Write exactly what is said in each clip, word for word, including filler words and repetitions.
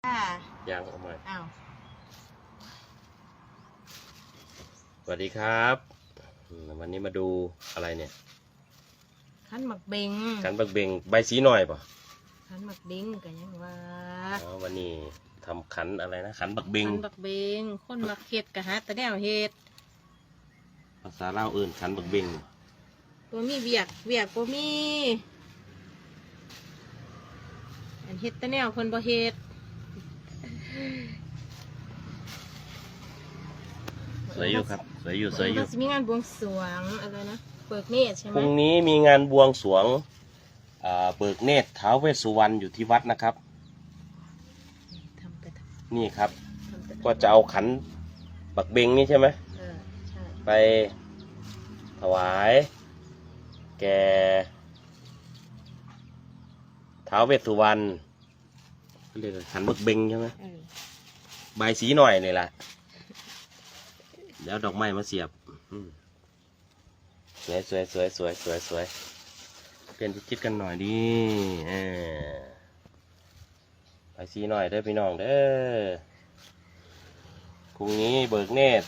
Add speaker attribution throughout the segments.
Speaker 1: ค่ะ
Speaker 2: ยังเอาใหม่
Speaker 1: อ้าว
Speaker 2: สวัสดีครับอืมวันนี้มาดูอะไรเนี่ย
Speaker 1: ขันหมักเบง
Speaker 2: ขันบักเบงใบสีหน่อยป่ะ
Speaker 1: ขันหมักเบงกันยังว่า
Speaker 2: อ๋อวันนี้ทำขันอะไรนะขันบักเบง
Speaker 1: ขันหมักเบงคนหมักเห็ดกะฮะแต่แนวเห็ด
Speaker 2: ภาษาลาวเอื่นขันบักเบง
Speaker 1: ตัวมีเวียกเวียกบ่มีอันเห็ดแต่แนวคนบ่เห็ด
Speaker 2: สวยอยู่ครับสวยอยู่สวยอยู่
Speaker 1: มันจะมีงานบวงสรวงอะไรนะเปิดเนตรใช่ไห
Speaker 2: พ
Speaker 1: ม
Speaker 2: รุ่งนี้มีงานบวงสรวงอ่าเบิกเนตรท้าวเวสสุวรรณอยู่ที่วัดนะครับ
Speaker 1: ทำไปท
Speaker 2: นี่ครับ
Speaker 1: ำทำไปทำ
Speaker 2: ก็จะเอาขันบักเบงนี่ใช่ไหม
Speaker 1: เออใช่
Speaker 2: ไปถวายแก่ท้าวเวสสุวรรณเรียกว่าขันบักเบงใช่ไหม
Speaker 1: เออ
Speaker 2: ใบสีหน่อยนี่แหละเดี๋ยวดอกไม้มาเสียบอืมสวยสวยสวยสวยสวยสวยเปลี่ยนทิศกันหน่อยดิเออใบสีหน่อยเด้อพี่น้องเด้อพรุ่งนี้เบิกเนตร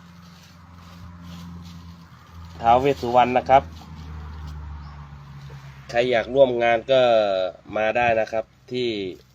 Speaker 2: ท้าวเวสสุวรรณนะครับใครอยากร่วมงานก็มาได้นะครับที่